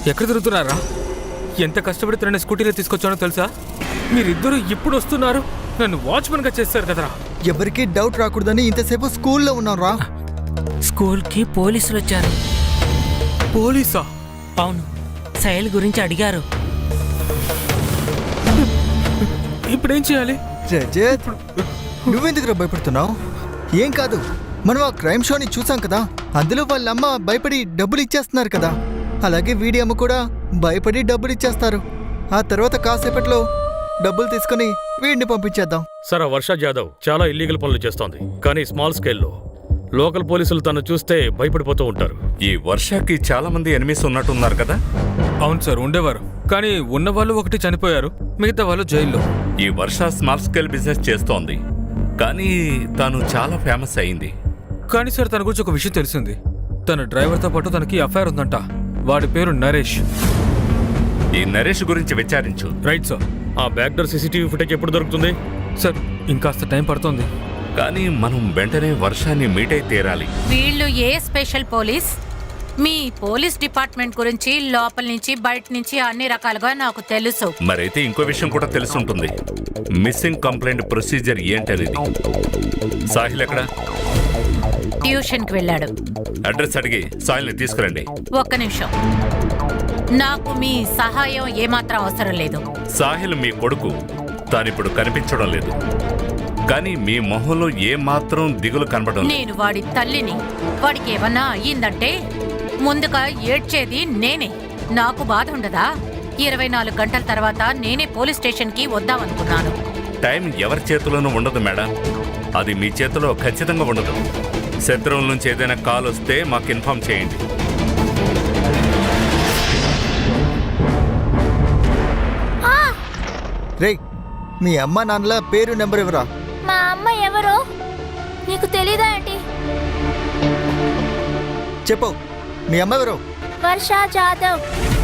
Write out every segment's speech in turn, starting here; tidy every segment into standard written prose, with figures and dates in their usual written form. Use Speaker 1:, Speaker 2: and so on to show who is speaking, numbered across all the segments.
Speaker 1: ఎక్కడ తిరుగుతున్నారా? ఎంత కష్టపడి తనని స్కూటీలో తీసుకొచ్చానో తెలుసా? మీరిద్దరూ ఇప్పుడు వస్తున్నారు, నన్ను వాచ్మెన్గా చేస్తారు కదరా.
Speaker 2: ఎవరికి డౌట్ రాకూడదని ఇంతసేపు స్కూల్లో ఉన్నాం రా.
Speaker 3: స్కూల్కి పోలీసులు వచ్చారు.
Speaker 1: పోలీసా?
Speaker 3: అవును, సైల్ గురించి అడిగారు.
Speaker 1: ఇప్పుడేం చేయాలి?
Speaker 2: రజత్, నువ్వెందుకు భయపడుతున్నావు? ఏం కాదు, మనం ఆ క్రైమ్ షోని చూసాం కదా, అందులో వాళ్ళ అమ్మ భయపడి డబ్బులు ఇచ్చేస్తున్నారు కదా, అలాగే వీడి అమ్మ కూడా భయపడి డబ్బులు ఇచ్చేస్తారు. ఆ తర్వాత కాసేపట్లో డబ్బులు తీసుకుని వీడిని పంపించేద్దాం.
Speaker 4: సార్, వర్ష జాదవ్ చాలా ఇల్లీగల్ పనులు చేస్తోంది, కానీ స్మాల్ స్కేల్లో. లోకల్ పోలీసులు తను చూస్తే భయపడిపోతూ ఉంటారు.
Speaker 5: ఈ వర్షకి చాలా మంది ఎనిమిస్ ఉన్నట్టున్నారు కదా?
Speaker 1: అవును సార్, ఉండేవారు. కానీ ఉన్నవాళ్ళు ఒకటి చనిపోయారు, మిగతా వాళ్ళు జైల్లో.
Speaker 5: ఈ వర్ష స్మాల్ స్కేల్ బిజినెస్ చేస్తోంది, కానీ తను చాలా ఫేమస్ అయింది.
Speaker 1: కానీ సార్, తన గురించి ఒక విషయం తెలిసింది. తన డ్రైవర్తో పాటు తనకి అఫైర్ ఉందంట. వాడి పేరు నరేష్.
Speaker 5: ఈ నరేష్ గురించి విచారించు.
Speaker 1: Right sir.
Speaker 4: ఆ బ్యాక్ డోర్ సీసీటీవీ ఫుటేజ్ ఎప్పుడు దొరుకుతుంది?
Speaker 1: సార్, ఇంకాస్త టైం పడుతుంది.
Speaker 5: కానీ మనం వెంటనే వర్షాన్ని మీట్ అయి తీరాలి.
Speaker 6: వీళ్ళు ఏ స్పెషల్ పోలీస్? మీ పోలీస్ డిపార్ట్మెంట్ గురించి లోపల నుంచి బయట నుంచి అన్ని రకాలుగా నాకు తెలుసు.
Speaker 5: మరైతే ఇంకో విషయం కూడా తెలుసుంటుంది, మిస్సింగ్ కంప్లైంట్ ప్రొసీజర్ ఏంటనేది. సాహిల్ ఎక్కడ?
Speaker 6: ట్యూషన్కి వెళ్ళాడు.
Speaker 5: అడ్రస్ అడిగి సాహిల్ని తీసుకురండి.
Speaker 6: ఒక్క నిమిషం, నాకు మీ సహాయం ఏమాత్రం అవసరం లేదు.
Speaker 5: సాహిల్ మీ కొడుకు, తానిప్పుడు కనిపించడం లేదు, కానీ మీ మొహంలో ఏమాత్రం దిగులు కనబడడం లేదు.
Speaker 6: నేను వాడి తల్లిని. వాడికి ఏమన్నా అయ్యిందంటే ముందుగా ఏడ్చేది నేనే. నాకు బాధ ఉండదా? 24 గంటల తర్వాత నేనే పోలీస్ స్టేషన్కి వద్దామనుకున్నాను.
Speaker 5: టైం ఎవరి చేతిలోనూ ఉండదు మేడం, అది మీ చేతిలో ఖచ్చితంగా ఉండదు. శత్రువుల నుంచి ఏదైనా కాల్ వస్తే మాకు ఇన్ఫార్మ్ చేయండి.
Speaker 2: రేయ్, మీ అమ్మ నాన్నల పేరు నెంబర్ ఎవరా?
Speaker 7: మా అమ్మ ఎవరో నీకు తెలీదా ఏంటి?
Speaker 2: చెప్పు, మీ అమ్మ ఎవరు?
Speaker 7: వర్ష జాదవ్.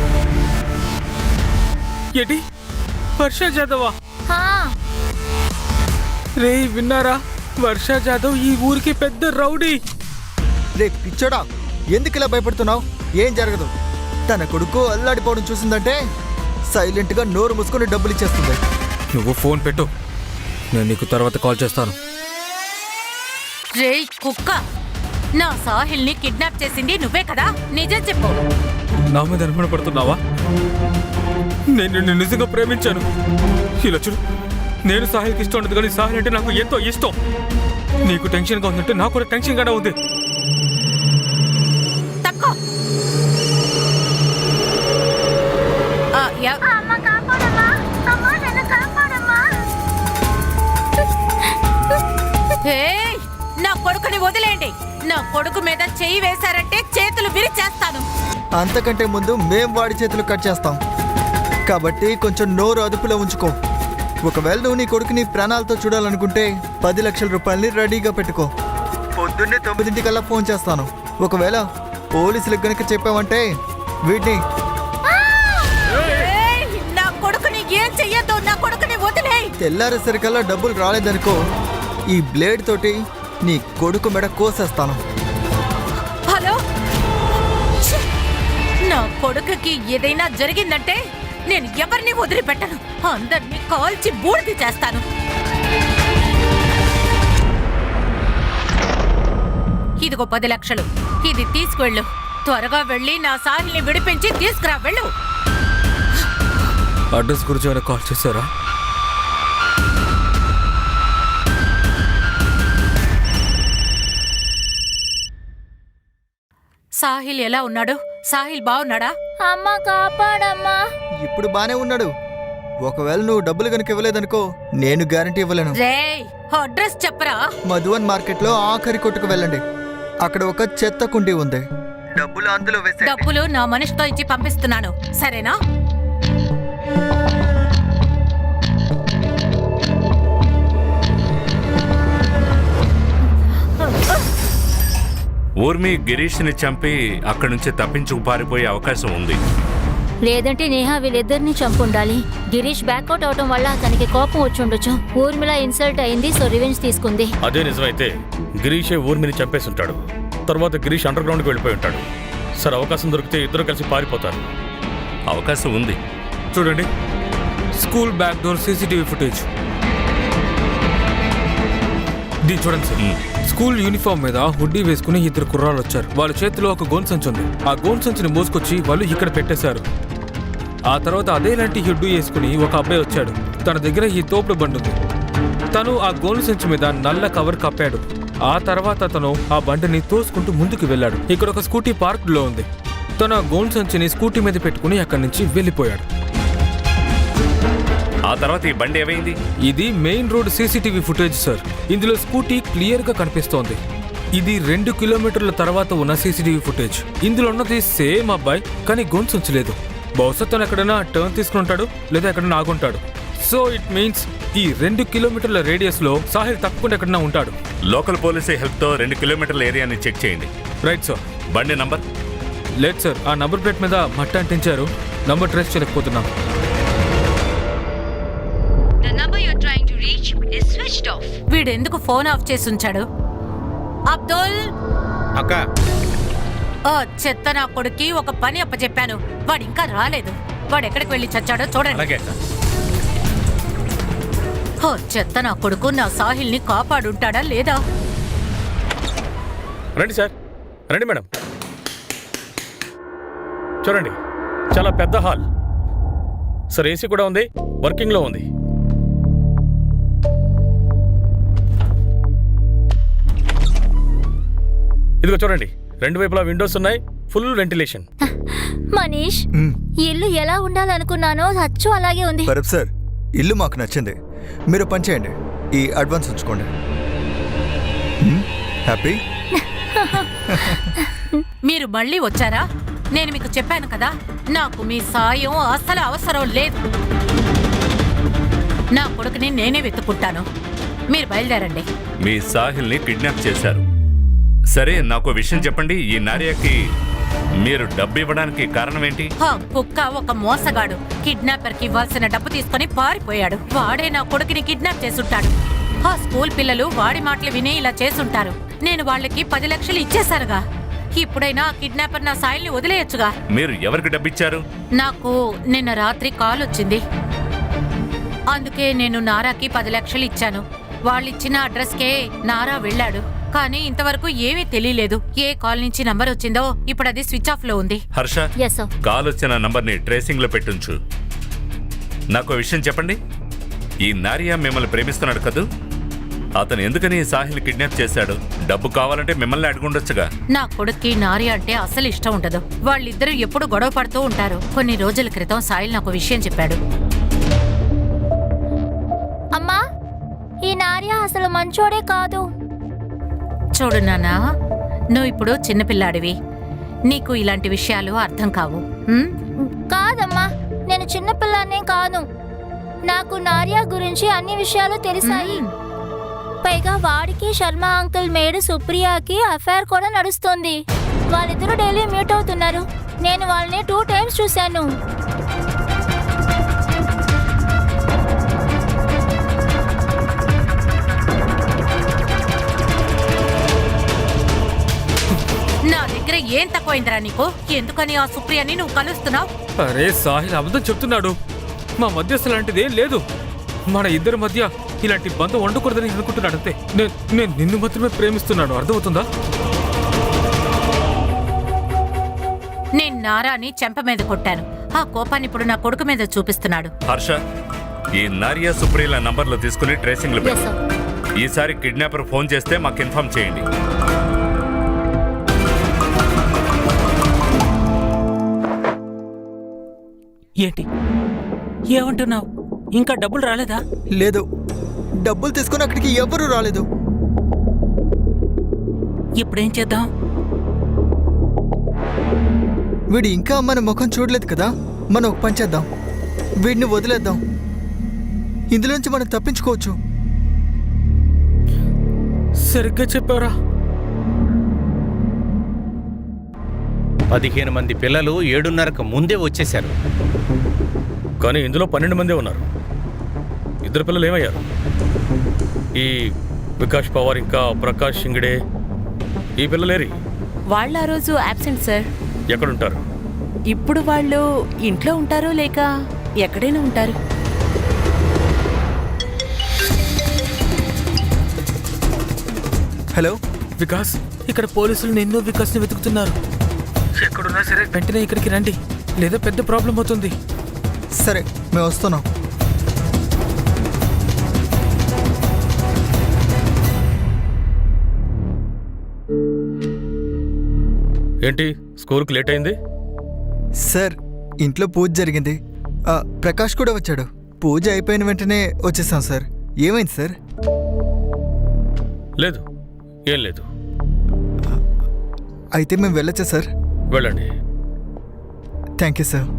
Speaker 1: ఏంటి? వర్ష జాదవా?
Speaker 7: హా,
Speaker 1: రే, విన్నారా? వర్ష జాదవ్ ఈ ఊరికి పెద్ద రౌడీ.
Speaker 2: రే పిచ్చోడా, ఎందుకు ఇలా భయపడుతున్నావు? ఏం జరగదు. తన కొడుకు అల్లాడిపోవడం చూసిందంటే సైలెంట్గా నోరు మూసుకొని డబ్బులు ఇచ్చేస్తుంది.
Speaker 1: నువ్వు ఫోన్ పెట్టు, నేను నీకు తర్వాత కాల్ చేస్తాను.
Speaker 6: రేయ్ కుక్క, నా సాహిల్ని కిడ్నాప్ చేసింది నువ్వే కదా? నిజం చెప్పు.
Speaker 1: నా మీద అనుమానపడుతున్నావా? నేను నిన్ను నిజంగా ప్రేమించాను. ఇలా చూడు, నేను సాహిల్కి ఇష్టం ఉండదు, కానీ సాహిల్ అంటే నాకు ఎంతో ఇష్టం. నీకు టెన్షన్గా ఉందంటే నాకు కూడా టెన్షన్గానే ఉంది.
Speaker 6: తక్కువ.
Speaker 7: అమ్మ కాపాడమ్మా, అమ్మ నన్ను కాపాడమ్మా.
Speaker 6: నా కొడుకుని వదిలేండి. నా కొడుకు మీద చెయ్యి వేశారంటే చేతులు విరిచేస్తాను.
Speaker 2: అంతకంటే ముందు మేం వాడి చేతులు కట్ చేస్తాం, కాబట్టి కొంచెం నోరు అదుపులో ఉంచుకో. ఒకవేళ నువ్వు నీ కొడుకుని ప్రాణాలతో చూడాలనుకుంటే 10 లక్షల రూపాయలని రెడీగా పెట్టుకో. పొద్దున్నే 9 ఫోన్ చేస్తాను. ఒకవేళ పోలీసులకు గనక చెప్పావంటే వీటిని
Speaker 6: నా కొడుకుని ఏం చెయ్యొద్దు. నా కొడుకుని వదిలేయ్.
Speaker 2: తెల్లారేసరికల్లా డబ్బులు రాలేదనుకో, ఈ బ్లేడ్ తోటి నీ కొడుకు మెడ కోసేస్తాను.
Speaker 6: హలో, నా కొడుకుకి ఏదైనా జరిగిందంటే నేను ఎవరిని వదిలిపెట్టను. అందరినీ కాల్చి బూడిద చేస్తాను. ఇదిగో 10 లక్షలు. ఇది తీసుకువెళ్ళు. త్వరగా వెళ్ళి నా సాహిల్ని విడిపించి తీసుకురా. వెళ్ళు.
Speaker 1: అడ్రస్ గురించి ఏమైనా కాల్ చేశారా?
Speaker 6: సాహిల్ ఎలా ఉన్నాడు? సాహిల్ బాగున్నాడా?
Speaker 7: అమ్మ కాపాడమ్మా.
Speaker 2: ఇప్పుడు బానే ఉన్నాడు. ఒకవేళ నువ్వు డబ్బులు కనుక ఇవ్వలేదనుకో, నేను గ్యారంటీ ఇవ్వలేను.
Speaker 6: రేయ్, అడ్రస్ చెప్పరా.
Speaker 2: మధువన్ మార్కెట్లో ఆఖరి కొట్టుకు వెళ్ళండి. అక్కడ ఒక చెత్త కుండీ ఉంది. డబ్బులు అందులో వేసే.
Speaker 6: డబ్బులు నా మనిషితో ఇచ్చి పంపిస్తున్నాను, సరేనా?
Speaker 5: ఊర్మి గిరీష్ని చంపి అక్కడి నుంచి తప్పించుకు పారిపోయే అవకాశం ఉంది.
Speaker 7: లేదంటే నేహా వీళ్ళిద్దరిని చంపుండాలి. గిరీష్ బ్యాక్అవుట్ అవటం వల్ల అతనికి కోపం వచ్చి ఉండొచ్చు. ఊర్మిళ ఇన్సల్ట్ అయింది, సో రివెంజ్ తీసుకుంది.
Speaker 4: అదే నిజమైతే గిరీషే ఊర్మిని చంపేసి ఉంటాడు. తర్వాత గిరీష్ అండర్ గ్రౌండ్కి వెళ్ళిపోయి ఉంటాడు. సార్, అవకాశం దొరికితే ఇద్దరు కలిసి పారిపోతారు.
Speaker 5: అవకాశం ఉంది.
Speaker 1: చూడండి, school back door CCTV footage. దీన్ని చూడండి సార్. స్కూల్ యూనిఫామ్ మీద హుడ్డీ వేసుకుని ఇద్దరు కుర్రాళ్ళు వచ్చారు. వాళ్ళ చేతిలో ఒక గోన్ సంచి ఉంది. ఆ గోన్ సంచిని మోసుకొచ్చి వాళ్ళు ఇక్కడ పెట్టేశారు. ఆ తర్వాత అదేలాంటి హుడ్డీ వేసుకుని ఒక అబ్బాయి వచ్చాడు. తన దగ్గర ఈ తోపుడు బండి ఉంది. తను ఆ గోన్ సంచి మీద నల్ల కవర్ కప్పాడు. ఆ తర్వాత తను ఆ బండిని తోసుకుంటూ ముందుకు వెళ్ళాడు. ఇక్కడ ఒక స్కూటీ పార్క్లో ఉంది. తను ఆ గోన్ సంచిని స్కూటీ మీద పెట్టుకుని అక్కడి నుంచి వెళ్ళిపోయాడు.
Speaker 5: ఆ తర్వాత ఈ బండి ఏమైంది?
Speaker 1: ఇది main road CCTV footage sir. ఇందులో స్కూటీ క్లియర్ గా కనిపిస్తోంది. ఇది 2 కిలోమీటర్ల తర్వాత ఉన్న సీసీటీవీ ఫుటేజ్. ఇందులో ఉన్నది సేమ్ అబ్బాయి, కానీ గొంతు ఉంచలేదు. బహుశా తను ఎక్కడైనా టర్న్ తీసుకుని ఉంటాడు, లేదా ఎక్కడైనా ఆగుంటాడు. సో ఇట్ మీన్స్ ఈ 2 కిలోమీటర్ల రేడియస్ లో సాహిల్ తప్పకుండా ఎక్కడైనా ఉంటాడు.
Speaker 5: లోకల్ పోలీసు హెల్ప్ తో 2 కిలోమీటర్ల ఏరియాని చెక్ చేయండి.
Speaker 1: Right sir.
Speaker 5: బండి నంబర్?
Speaker 1: లేదు సార్, ఆ నంబర్ ప్లేట్ మీద మట్ట అంటించారు. నంబర్ ట్రేస్ చేయలేకపోతున్నాం.
Speaker 6: వీడెందుకు ఫోన్ ఆఫ్ చేసి ఉంచాడు? అబ్దుల్
Speaker 8: అక్క,
Speaker 6: ఓ చెత్త నా కొడుక్కి ఒక పని అప్పచెప్పాను, వాడు ఇంకా రాలేదు. వాడు ఎక్కడికి వెళ్ళి చచ్చాడో చూడండి.
Speaker 8: అలాగే అక్క.
Speaker 6: ఓ చెత్త నా కొడుకు నా సాహిల్ని కాపాడుంటాడా లేదా?
Speaker 4: రండి సార్, రండి మేడం. చూడండి, చాలా పెద్ద హాల్ సార్. ఏసీ కూడా ఉంది, వర్కింగ్లో ఉంది. ఇదిగో చూడండి, 2 వైపులా విండోస్ ఉన్నాయి, ఫుల్ వెంటిలేషన్.
Speaker 7: మనీష్, ఇల్లు ఎలా ఉండాలనుకున్నానో అచ్చు అలాగే ఉంది.
Speaker 2: పరబ్ సార్, ఇల్లు మాకు నచ్చింది. మీరు పని చేయండి, ఈ అడ్వాన్స్ ఉంచుకోండి. హ్యాపీ?
Speaker 6: మీరు మళ్ళీ వచ్చారా? నేను మీకు చెప్పాను కదా, నాకు మీ సాయం అస్సలు అవసరం లేదు. నా కొడుకుని నేనే వెతుక్కుంటాను. మీరు బయలుదేరండి.
Speaker 5: మీ సాహిల్ని కిడ్నాప్ చేశారు. సరే, నాకు విషయం చెప్పండి. ఈ నార్యాకి మీరు డబ్బు ఇవ్వడానికి కారణం ఏంటి?
Speaker 6: కుక్క ఒక మోసగాడు కిడ్నాపర్ కి ఇవ్వాల్సిన డబ్బు తీసుకుని పారిపోయాడు. వాడే నా కొడుకుని కిడ్నాప్ చేసుంటాడు. ఆ స్కూల్ పిల్లలు వాడి మాటలు విని ఇలా చేసుంటారు. నేను వాళ్ళకి 10 లక్షలు ఇచ్చేశానుగా. ఇప్పుడైనా ఆ కిడ్నాపర్ నా సాయిల్ని వదిలేయచ్చుగా.
Speaker 5: మీరు ఎవరికి డబ్బిచ్చారు?
Speaker 6: నాకు నిన్న రాత్రి కాల్ వచ్చింది. అందుకే నేను నారాకి 10 లక్షలు ఇచ్చాను. వాళ్ళిచ్చిన అడ్రస్కే నారా వెళ్ళాడు. కానీ ఇంతవరకు ఏమీ తెలియలేదు. ఏ కాల్ నుంచి నంబర్ వచ్చిందో ఇప్పుడు అది స్విచ్ ఆఫ్ లో ఉంది.
Speaker 5: Harsha,
Speaker 7: Yes, sir.
Speaker 5: కాల్ వచ్చిన నంబర్ని ట్రేసింగ్ లో పెట్టుంచు. నాకు విషయం చెప్పండి. ఈ నారియా మిమ్మల్ని ప్రేమిస్తున్నాడు కదూ? అతను ఎందుకని సాహిల్ కిడ్నాప్ చేశాడు? డబ్బు కావాలంటే మిమ్మల్ని అడుగుండొచ్చుగా.
Speaker 6: నా కొడుక్కి నారియా అంటే అసలు ఇష్టం ఉండదు. వాళ్ళిద్దరూ ఎప్పుడు గొడవ పడుతూ ఉంటారు. కొన్ని రోజుల క్రితం సాహిల్ నాకు విషయం చెప్పాడు.
Speaker 7: అమ్మా, ఈ నార్య అసలు మంచోడే కాదు.
Speaker 6: చూడు నాన్నా, నువ్వు ఇప్పుడు చిన్నపిల్లాడివి. నీకు ఇలాంటి విషయాలు అర్థం కావు.
Speaker 7: కాదమ్మా, నేను చిన్నపిల్లనే కాదు. నాకు నార్య గురించి అన్ని విషయాలు తెలిసాయి. పైగా వాడికి శర్మ అంకుల్ మేడ్ సుప్రియాకి అఫైర్ కూడా నడుస్తుంది. వాళ్ళిద్దరూ డైలీ మీట్ అవుతున్నారు. నేను వాళ్ళని 2 times చూశాను.
Speaker 6: నా దగ్గర ఏం తక్కువైందిరా నీకు? ఎందుకని ఆ సుప్రియని నువ్వు కలుస్తున్నావు?
Speaker 1: అరే సాహిల్ అబద్ధం చెప్తున్నాడు. మా మధ్య అసలు లాంటిది ఏం లేదు. మన ఇద్దరి మధ్య ఇలాంటి బంధం వండకూడదని అనుకుంటున్నాడు అంతే. నేను నిన్ను మాత్రమే ప్రేమిస్తున్నాను, అర్థమవుతుందా?
Speaker 6: నేను నారాని చెంప మీద కొట్టాను. ఆ కోపాన్ని ఇప్పుడు నా కొడుకు మీద చూపిస్తున్నాడు.
Speaker 5: హర్ష, ఈ నారియా సుప్రియల నంబర్లు తీసుకుని ట్రేసింగ్ లో
Speaker 7: Yes,
Speaker 5: పెట్టు.
Speaker 7: sir.
Speaker 5: ఈసారి కిడ్నాపర్ ఫోన్ చేస్తే మాకు ఇన్ఫార్మ్ చేయండి.
Speaker 3: ఏంటి ఏమంటున్నావు? ఇంకా డబ్బులు రాలేదా?
Speaker 2: లేదు, డబ్బులు తీసుకొని అక్కడికి ఎవరూ రాలేదు.
Speaker 3: ఇప్పుడేం చేద్దాం?
Speaker 2: వీడు ఇంకా మన ముఖం చూడలేదు కదా. మనం ఒక పని చేద్దాం, వీడిని వదిలేద్దాం. ఇందులోంచి మనం తప్పించుకోవచ్చు.
Speaker 1: సరిగ్గా చెప్పారా?
Speaker 8: 15 మంది పిల్లలు 7:30కు ముందే వచ్చేశారు.
Speaker 4: కానీ ఇందులో 12 మందే ఉన్నారు. 2 పిల్లలు ఏమయ్యారు? ఈ వికాష్ పవార్ ఇంకా ప్రకాష్ షింగడే, ఈ పిల్లలేరి?
Speaker 9: వాళ్ళ ఆ రోజు అబ్సెంట్ సార్.
Speaker 4: ఎక్కడుంటారు?
Speaker 9: ఇప్పుడు వాళ్ళు ఇంట్లో ఉంటారో లేక ఎక్కడైనా ఉంటారు?
Speaker 2: హలో
Speaker 1: వికాస్, ఇక్కడ పోలీసులు నిన్ను వికాస్ని వెతుకుతున్నారు. ఎక్కడున్నా సరే వెంటనే ఇక్కడికి రండి, లేదా పెద్ద ప్రాబ్లం అవుతుంది.
Speaker 2: సరే మేము వస్తున్నాం.
Speaker 4: ఏంటి స్కూల్కి లేట్ అయింది?
Speaker 2: సార్ ఇంట్లో పూజ జరిగింది. ప్రకాష్ కూడా వచ్చాడు. పూజ అయిపోయిన వెంటనే వచ్చేసాం సార్. ఏమైంది సార్?
Speaker 4: లేదు, ఏం లేదు.
Speaker 2: అయితే మేము వెళ్ళొచ్చా సార్?
Speaker 4: వెళ్ళండి.
Speaker 2: Thank you sir.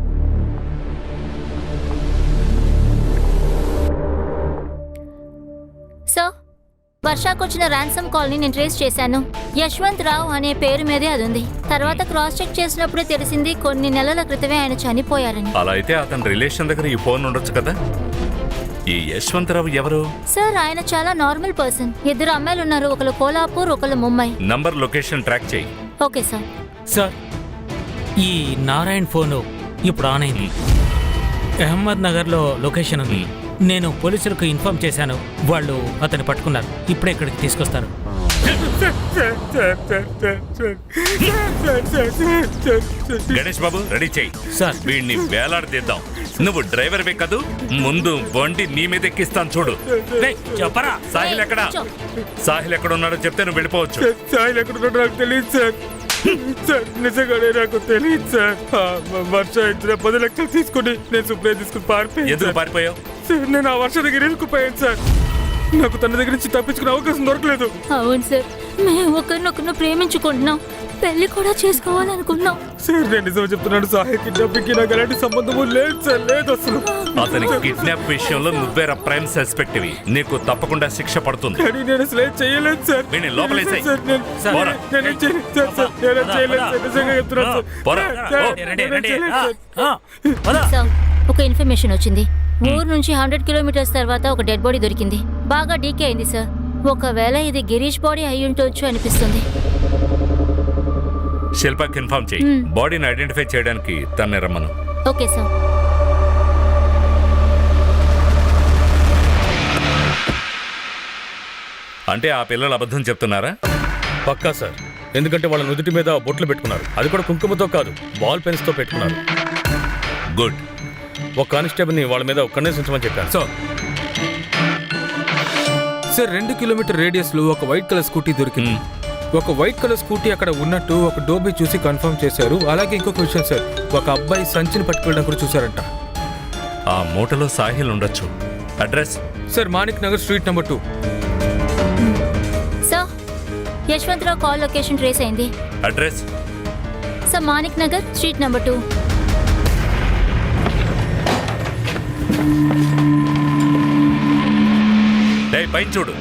Speaker 7: సార్, వర్షాకు వచ్చిన ర్యాన్సమ్ కాల్ని నేను ట్రేస్ చేశాను. యశ్వంత్ రావు అనే పేరు మీదే అది ఉంది. తర్వాత క్రాస్ చెక్ చేసినప్పుడే తెలిసింది కొన్ని నెలల క్రితమే ఆయన చనిపోయారని.
Speaker 5: అలా అయితే అతని రిలేషన్ దగ్గర ఈ ఫోన్ ఉండొచ్చు కదా. ఈ యశ్వంతరావు ఎవరు?
Speaker 7: సార్, ఆయన చాలా నార్మల్ పర్సన్. 2 అమ్మాయిలు ఉన్నారు, ఒకళ్ళు కోలాపూర్, ఒకళ్ళు ముంబై.
Speaker 5: నంబర్ లొకేషన్ ట్రాక్ చేయి.
Speaker 7: Okay sir.
Speaker 3: సార్, ఈ నారాయణ్ ఫోను ఇప్పుడు ఆన్ అయింది. అహ్మద్ నగర్లో లొకేషన్ ఉంది. నేను పోలీసులకు ఇన్ఫార్మ్ చేశాను. వాళ్ళు అతన్ని పట్టుకున్నారు. ఇప్పుడే ఇక్కడికి తీసుకొస్తారు.
Speaker 5: గణేష్ బాబు రెడీ చేయి.
Speaker 3: సార్.
Speaker 5: వీడిని వేలాడదీద్దాం. నువ్వు డ్రైవర్వే కదూ, ముందు బండి నీ మీద ఎక్కిస్తాను చూడు.
Speaker 3: చెప్పరా
Speaker 5: సాహిల్ ఎక్కడా? సాహిల్ ఎక్కడ ఉన్నాడో చెప్తే నువ్వు వెళ్ళిపోవచ్చు.
Speaker 1: సాయిల్ ఎక్కడున్నాడో నాకు తెలియదు సార్. సార్ నిజంగానే నాకు తెలియదు సార్. వర్ష ఇచ్చిన 10 లక్షలు తీసుకుని నేను సుప్రియ తీసుకుని పారిపోయాను.
Speaker 5: ఎందుకు పారిపోయావు?
Speaker 1: సార్, నేను ఆ వర్ష దగ్గర ఇరుక్కుపోయాను సార్. నాకు తన దగ్గర నుంచి తప్పించుకునే అవకాశం దొరకలేదు.
Speaker 7: అవును సార్, మేము ఒకరినొకరిని ప్రేమించుకుంటున్నాం, పెళ్లి కూడా చేసుకోవాలనుకున్నాం.
Speaker 1: సార్, నేను నిజం చెప్తున్నాను. సాయి కిడ్నాపింగ్కి నాకు ఎలాంటి సంబంధము లేదు సార్, లేదు అసలు.
Speaker 5: అతని కిడ్నాప్ విషయంలో నువ్వేరా ప్రైమ్ సస్పెక్ట్. నీకు తప్పకుండా శిక్ష పడుతుంది.
Speaker 1: కానీ నేను అసలు ఏం చేయలేదు సార్.
Speaker 5: వీడిని లోపలేసేయ్.
Speaker 1: సార్,
Speaker 5: పోరా.
Speaker 1: నేనేం చేయలేదు సార్. సార్, నేనేం చేయలేదు సార్. నిజంగా చెప్తున్నాను సార్.
Speaker 5: పోరా.
Speaker 1: సార్,
Speaker 3: రండి,
Speaker 1: నేనేం
Speaker 3: రండి.
Speaker 1: చేయలేదు సార్.
Speaker 7: సార్, ఒక ఇన్ఫర్మేషన్ వచ్చింది. ఊరు నుంచి 100 కిలోమీటర్స్ తర్వాత ఒక డెడ్ బాడీ దొరికింది. బాగా డీకే అయింది సార్. ఒకవేళ ఇది గిరీష్ బాడీ అయి ఉండొచ్చు అనిపిస్తుంది.
Speaker 5: శిల్పకి ఇన్ఫార్మ్ చేయి. బాడీని ఐడెంటిఫై చేయడానికి తన్నే రమ్మను.
Speaker 7: Okay sir.
Speaker 5: అంటే ఆ పిల్లలు అబద్ధం చెప్తున్నారా?
Speaker 4: పక్కా సార్. ఎందుకంటే వాళ్ళ నుదుటి మీద బొట్లు పెట్టుకున్నారు. అది కూడా కుంకుమతో కాదు, బాల్ పెన్స్తో పెట్టుకున్నారు.
Speaker 5: గుడ్.
Speaker 4: ఒక కానిస్టేబుల్ని వాళ్ళ మీద ఒక్కనే ఉంచమని చెప్పాను.
Speaker 1: సార్ 2 కిలోమీటర్ రేడియస్ లో ఒక వైట్ కలర్ స్కూటీ దొరికింది. ఒక వైట్ కలర్ స్కూటీ అక్కడ ఉన్నట్టు ఒక డోబీ చూసి కన్ఫర్మ్ చేశారు. అలాగే ఇంకొక విషయం సార్, ఒక అబ్బాయి సంచిని పట్టుకెళ్ళడం కూడా చూశారంట.
Speaker 5: ఆ మూటలో సాహిల్ ఉండొచ్చు. Address?
Speaker 1: Sir, Manik Nagar street number 2.
Speaker 7: Sir, Yashwantrao call location trace అయింది.
Speaker 5: Address?
Speaker 7: Sir, Manik Nagar street number 2.
Speaker 5: పైన చూడు.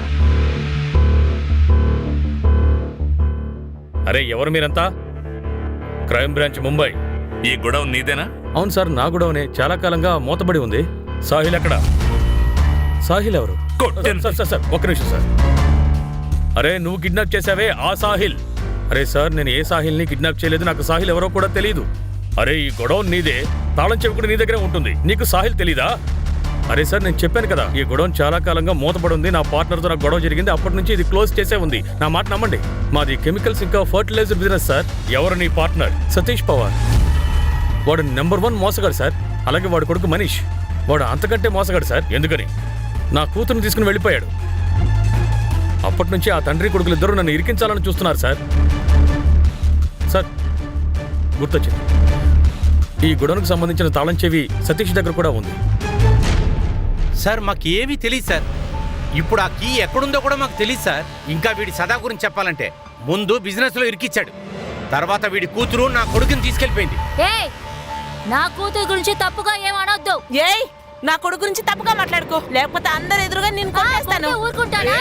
Speaker 4: అరే, ఎవరు మీరంతా? Crime branch Mumbai.
Speaker 5: ఈ గొడవ నీదేనా?
Speaker 4: అవును సార్, నా గొడవనే. చాలా కాలంగా మూతబడి ఉంది. సాహిల్ ఎక్కడ? సాహిల్ ఎవరు? సార్ సార్ సార్, ఒక్క నిమిషం సార్. అరే, నువ్వు కిడ్నాప్ చేసావే ఆ సాహిల్. అరే సార్, నేను ఏ సాహిల్ని కిడ్నాప్ చేయలేదు. నాకు సాహిల్ ఎవరో కూడా తెలియదు. అరే, ఈ గొడవ నీదే. తాళం చెవి కూడా నీ దగ్గరే ఉంటుంది. నీకు సాహిల్ తెలీదా? అరే సార్, నేను చెప్పాను కదా, ఈ గొడవ చాలా కాలంగా మూతపడి ఉంది. నా పార్ట్నర్తో నాకు గొడవ జరిగింది. అప్పటి నుంచి ఇది క్లోజ్ చేసే ఉంది. నా మాట నమ్మండి. మాది కెమికల్స్ ఇంకా ఫర్టిలైజర్ బిజినెస్ సార్. ఎవరు నీ పార్ట్నర్? సతీష్ పవార్. వాడు నెంబర్ 1 మోసగాడు సార్. అలాగే వాడు కొడుకు మనీష్, వాడు అంతకంటే మోసగాడు సార్. ఎందుకని నా కూతురుని తీసుకుని వెళ్ళిపోయాడు. అప్పటి నుంచి ఆ తండ్రి కొడుకులు ఇద్దరు నన్ను ఇరికించాలని చూస్తున్నారు సార్. సార్, గుర్తొచ్చింది. ఈ గొడవకు సంబంధించిన తాళం చెవి సతీష్ దగ్గర కూడా ఉంది.
Speaker 8: సార్, మాకు ఏమీ తెలియదు సార్. ఇప్పుడు ఆ కీ ఎక్కడుందో కూడా మాకు తెలియదు సార్. ఇంకా వీడి సదా గురించి చెప్పాలంటే, ముందు బిజినెస్లో ఇరికిచ్చాడు. తర్వాత వీడి కూతురు నా కొడుకుని తీసుకెళ్ళిపోయింది.
Speaker 7: ఏయ్, నా కూతురు గురించి తప్పుగా ఏమనొద్దు.
Speaker 9: ఏయ్, నా కొడుకు గురించి తప్పుగా మాట్లాడుకో, లేకపోతే అందరు ఎదురుగా నేను కొట్టేస్తాను.
Speaker 7: ఊరుకుంటానా?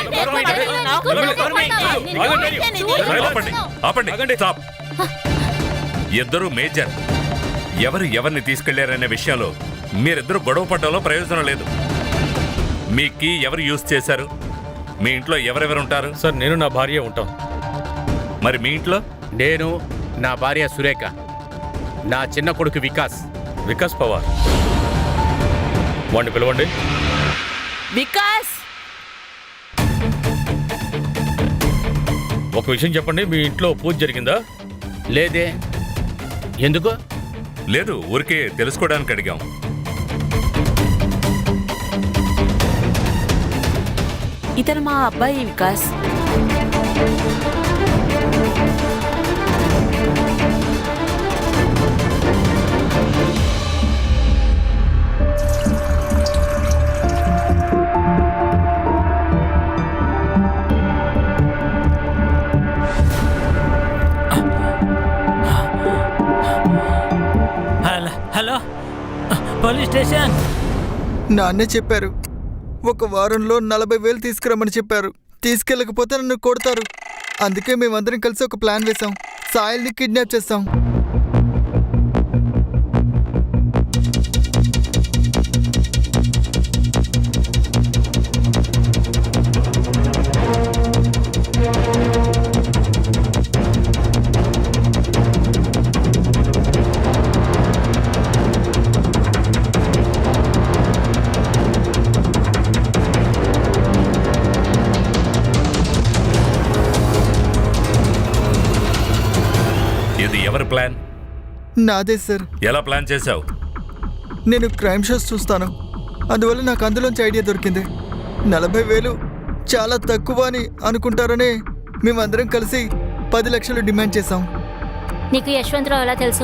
Speaker 5: ఆపండి. స్టాప్. ఇద్దరు మేజర్. ఎవరు ఎవరిని తీసుకెళ్లారనే విషయంలో మీరిద్దరు గొడవ పడ్డంలో ప్రయోజనం లేదు. మీ కీ ఎవరు యూజ్ చేశారు? మీ ఇంట్లో ఎవరెవరు ఉంటారు?
Speaker 4: సార్, నేను నా భార్య ఉంటాం.
Speaker 5: మరి మీ ఇంట్లో?
Speaker 8: నేను, నా భార్య సురేఖ. నా చిన్న కొడుకు వికాస్.
Speaker 4: వికాస్ పవార్. వాడిని పిలవండి.
Speaker 9: వికాస్,
Speaker 4: ఒక విషయం చెప్పండి, మీ ఇంట్లో పూజ జరిగిందా?
Speaker 8: లేదే, ఎందుకు?
Speaker 5: లేదు, ఊరికే తెలుసుకోవడానికి అడిగాం.
Speaker 9: ఇతను మా అబ్బాయి వికాస్.
Speaker 3: Hello, police station.
Speaker 2: నాన్నే చెప్పారు, ఒక వారంలో 40,000 తీసుకురమ్మని చెప్పారు. తీసుకెళ్ళకపోతే నన్ను కొడతారు. అందుకే మేమందరం కలిసి ఒక ప్లాన్ వేశాం. సాయిల్ని కిడ్నాప్ చేస్తాం.
Speaker 5: ఇది ఎవరి ప్లాన్?
Speaker 2: నాదే సార్.
Speaker 5: ఎలా ప్లాన్ చేశావు?
Speaker 2: నేను క్రైమ్ షోస్ చూస్తాను, అందువల్ల నాకు అందులోంచి ఐడియా దొరికింది. 40,000 చాలా తక్కువ అని అనుకుంటారనే మేమందరం కలిసి 10 లక్షలు డిమాండ్ చేశాం.
Speaker 7: నీకు యశ్వంతరావు ఎలా తెలుసు?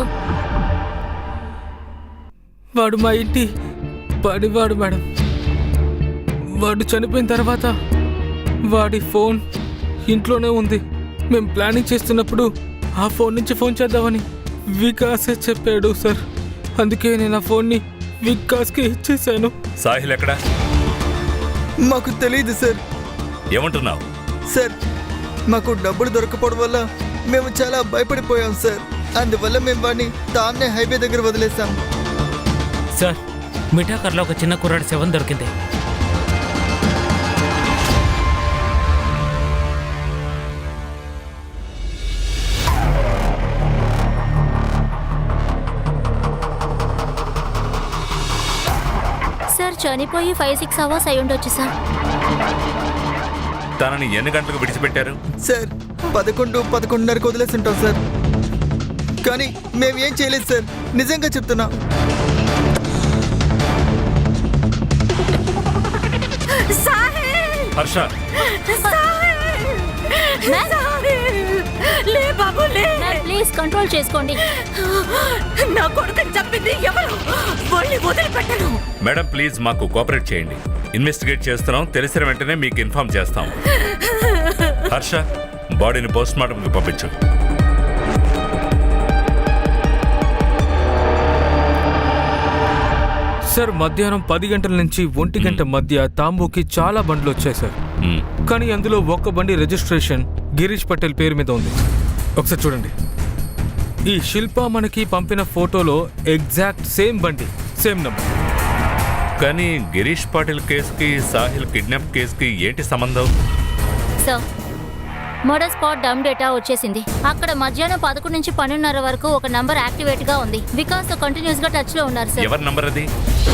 Speaker 1: వాడు మా ఇంటి పనివాడు మేడం. వాడు చనిపోయిన తర్వాత వాడి ఫోన్ ఇంట్లోనే ఉంది. మేము ప్లానింగ్ చేస్తున్నప్పుడు ఆ ఫోన్ నుంచి ఫోన్ చేద్దామని వికాసే చెప్పాడు సార్. అందుకే నేను ఆ ఫోన్ని వికాస్కి ఇచ్చేసాను.
Speaker 5: సాహిల్ ఎక్కడా?
Speaker 2: మాకు తెలియదు సార్.
Speaker 5: ఏమంటున్నావు?
Speaker 2: సార్, మాకు డబ్బులు దొరకపోవడం వల్ల మేము చాలా భయపడిపోయాం సార్. అందువల్ల మేము వాడిని తామ్నే హైవే దగ్గర వదిలేసాం.
Speaker 3: సార్, మిఠాకర్లో ఒక చిన్న కుర్రాడి శవం దొరికింది.
Speaker 7: సార్, చనిపోయి 5-6 అవర్స్ అయి ఉండొచ్చు సార్.
Speaker 5: తనని ఎన్ని గంటలకు విడిచిపెట్టారు?
Speaker 2: సార్, 11-11:30కు వదిలేసి ఉంటాం సార్. కానీ మేమేం చేయలేదు సార్, నిజంగా చెప్తున్నా.
Speaker 5: హర్ష,
Speaker 6: లే బాబు లే.
Speaker 7: ప్లీజ్ కంట్రోల్ చేసుకోండి.
Speaker 6: నా కొడుకుని చెప్పింది ఎవరు? వాళ్ళని వదిలిపెట్టను.
Speaker 5: మేడం ప్లీజ్ మాకు కోఆపరేట్ చేయండి. ఇన్వెస్టిగేట్ చేస్తున్నాం, తెలిసిన వెంటనే మీకు ఇన్ఫార్మ్ చేస్తాం. హర్ష, బాడీని పోస్ట్ మార్టంకి పంపించు.
Speaker 1: సార్, మధ్యాహ్నం 10 గంటల నుంచి 1 గంట మధ్య తాంబూకి చాలా బండ్లు వచ్చాయి సార్. కానీ అందులో ఒక్క బండి రిజిస్ట్రేషన్ గిరీష్ పటేల్ పేరు మీద ఉంది. ఒకసారి చూడండి. ఈ శిల్ప మనకి పంపిన ఫోటోలో ఎగ్జాక్ట్ సేమ్ బండి, సేమ్ నంబర్.
Speaker 5: కానీ గిరీష్ పాటిల్ కేసుకి సాహిల్ కిడ్నాప్ కేసుకి ఏంటి సంబంధం?
Speaker 7: Sir, murder spot dump data వచ్చేసింది. అక్కడ మధ్యాహ్నం 11 నుంచి 12:30 వరకు ఒక నంబర్ యాక్టివేట్ గా ఉంది. వికాస్ తో కంటిన్యూస్ గా టచ్ లో ఉన్నారు సార్.
Speaker 5: ఎవరి నంబర్ అది?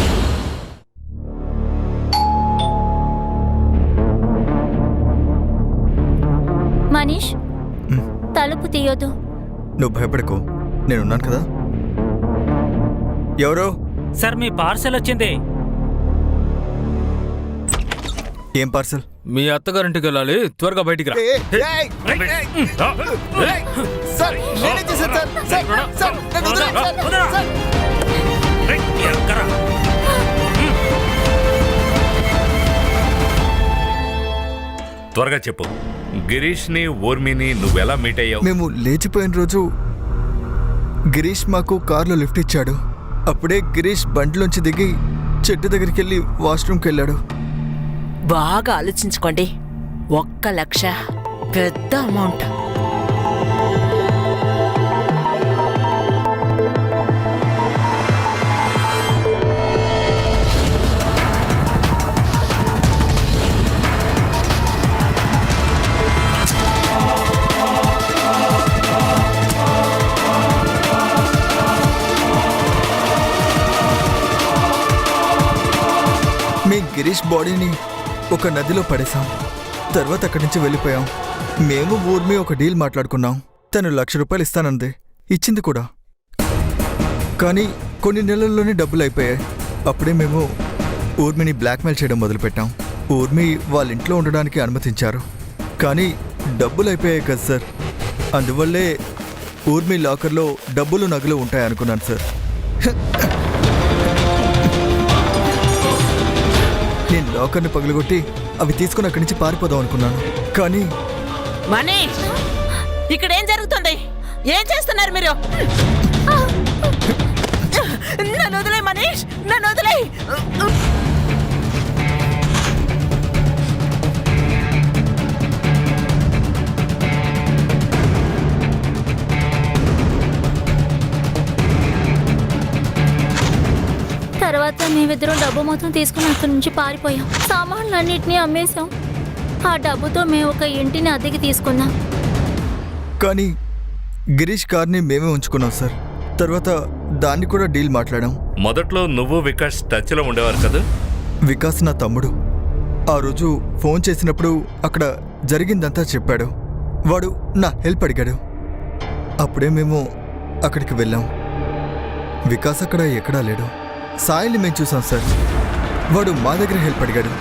Speaker 7: మనీష్, తలుపు తీయొద్దు.
Speaker 2: నువ్వు భయపడకు, నేనున్నాను కదా. ఎవరో?
Speaker 3: సార్, మీ పార్సల్ వచ్చింది.
Speaker 2: ఏం పార్సల్?
Speaker 1: మీ అత్తగారింటికి వెళ్ళాలి, త్వరగా బయటికి రా.
Speaker 2: సార్, నేనే చేశాను సార్. సార్, సార్, నన్ను వదిలేయండి సార్. సార్.
Speaker 5: త్వరగా చెప్పు. గిరీష్ ని ఊర్మిని నువ్వెలా మీట్ అయ్యావు?
Speaker 2: మేము లేచిపోయిన రోజు గిరీష్ మాకు కార్లో లిఫ్ట్ ఇచ్చాడు. అప్పుడే గిరీష్ బండిలోంచి దిగి చెట్టు దగ్గరికి వెళ్ళి వాష్రూమ్కి వెళ్ళాడు.
Speaker 9: బాగా ఆలోచించుకోండి. 1 లక్ష పెద్ద అమౌంట్.
Speaker 2: బాడీని ఒక నదిలో పడేశాం. తర్వాత అక్కడి నుంచి వెళ్ళిపోయాం. మేము ఊర్మి ఒక డీల్ మాట్లాడుకున్నాం. తను ₹1,00,000 ఇస్తానంది, ఇచ్చింది కూడా. కానీ కొన్ని నెలల్లోనే డబ్బులు అయిపోయాయి. అప్పుడే మేము ఊర్మిని బ్లాక్మెయిల్ చేయడం మొదలుపెట్టాం. ఊర్మి వాళ్ళ ఇంట్లో ఉండడానికి అనుమతించారు. కానీ డబ్బులు అయిపోయాయి కదా సార్, అందువల్లే ఊర్మి లాకర్లో డబ్బులు నగలు ఉంటాయనుకున్నాను సార్. నేను లాకర్ని పగలగొట్టి అవి తీసుకుని అక్కడి నుంచి పారిపోదాం అనుకున్నాను. కానీ
Speaker 9: మనీష్, ఇక్కడ ఏం జరుగుతుంది? ఏం చేస్తున్నారు మీరు? నన్ను వదిలే మనీష్, నన్ను వదిలే.
Speaker 7: తర్వాత మేమిద్దరం డబ్బు మొత్తం తీసుకుని అక్కడి నుంచి పారిపోయాం. సామాన్లన్నింటినీ అమ్మేశాం. ఆ డబ్బుతో మేము ఒక ఇంటిని అద్దెకి తీసుకున్నాం.
Speaker 2: కానీ గిరీష్ కార్ని మేమే ఉంచుకున్నాం సార్. తర్వాత దాన్ని కూడా డీల్ మాట్లాడాం.
Speaker 5: మొదట్లో నువ్వు వికాస్ టచ్లో ఉండేవారు కదా?
Speaker 2: వికాస్ నా తమ్ముడు. ఆ రోజు ఫోన్ చేసినప్పుడు అక్కడ జరిగిందంతా చెప్పాడు. వాడు నా హెల్ప్ అడిగాడు. అప్పుడే మేము అక్కడికి వెళ్ళాం. వికాస్ అక్కడ ఎక్కడా లేడు. సాయిల్ని మేము చూసాం సార్. వాడు మా దగ్గర హెల్ప్ అడిగాడు.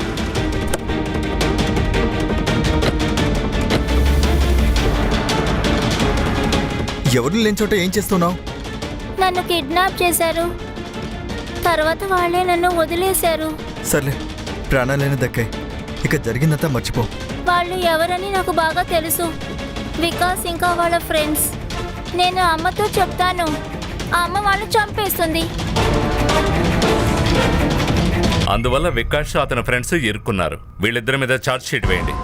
Speaker 2: ఎవరు లేని చోట ఏం చేస్తున్నావు?
Speaker 7: నన్ను కిడ్నాప్ చేశారు. తర్వాత వాళ్ళే నన్ను వదిలేశారు.
Speaker 2: సర్లే, ప్రాణాలైనా దక్కాయి. ఇక జరిగిందంతా మర్చిపో.
Speaker 7: వాళ్ళు ఎవరని నాకు బాగా తెలుసు. వికాస్ ఇంకా వాళ్ళ ఫ్రెండ్స్. నేను అమ్మతో చెప్తాను. ఆ అమ్మ వాళ్ళు చంపేస్తుంది.
Speaker 5: అందువల్ల వికాస్ అతని ఫ్రెండ్స్ ఇరుక్కున్నారు. వీళ్ళిద్దరి మీద ఛార్జ్ షీట్ వేయండి.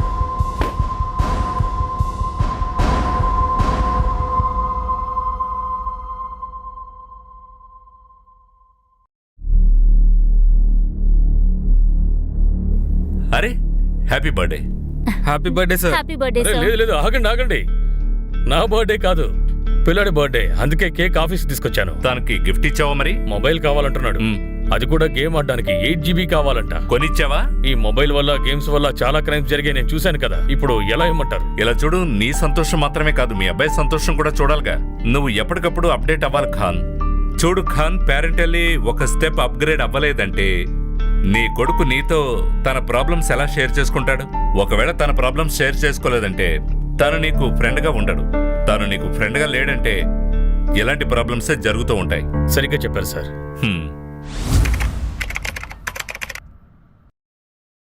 Speaker 5: అరే, happy birthday.
Speaker 1: Happy birthday sir.
Speaker 7: Happy birthday
Speaker 4: అరే,
Speaker 7: సార్.
Speaker 4: లేదు లేదు, ఆగండి. నా బర్త్డే కాదు, పిల్లాడి బర్త్డే. అందుకే కేక్ ఆఫీస్ తీసుకొచ్చాను.
Speaker 5: తనకి గిఫ్ట్ ఇచ్చావా మరి?
Speaker 4: మొబైల్ కావాలంటున్నాడు. అది కూడా గేమ్ ఆడడానికి 8 GB కావాలంట.
Speaker 5: కొనిచ్చావా?
Speaker 4: ఈ మొబైల్ వల్ల, గేమ్స్ వల్ల చాలా క్రైమ్స్ జరిగాయి, నేను చూశాను కదా. ఇప్పుడు ఎలా ఇమ్మంటారు?
Speaker 5: ఇలా చూడు, నీ సంతోషం మాత్రమే కాదు, మీ అబ్బాయి సంతోషం కూడా చూడాలిగా. నువ్వు ఎప్పటికప్పుడు అప్డేట్ అవ్వాలి ఖాన్. చూడు ఖాన్, పేరెంటల్లీ ఒక స్టెప్ అప్గ్రేడ్ అవ్వలేదంటే నీ కొడుకు నీతో తన ప్రాబ్లమ్స్ ఎలా షేర్ చేసుకుంటాడు? ఒకవేళ తన ప్రాబ్లమ్స్ షేర్ చేసుకోలేదంటే తను నీకు ఫ్రెండ్గా ఉండడు. తను నీకు ఫ్రెండ్గా లేడంటే ఇలాంటి ప్రాబ్లమ్సే జరుగుతూ ఉంటాయి.
Speaker 4: సరిగ్గా చెప్పారు సార్.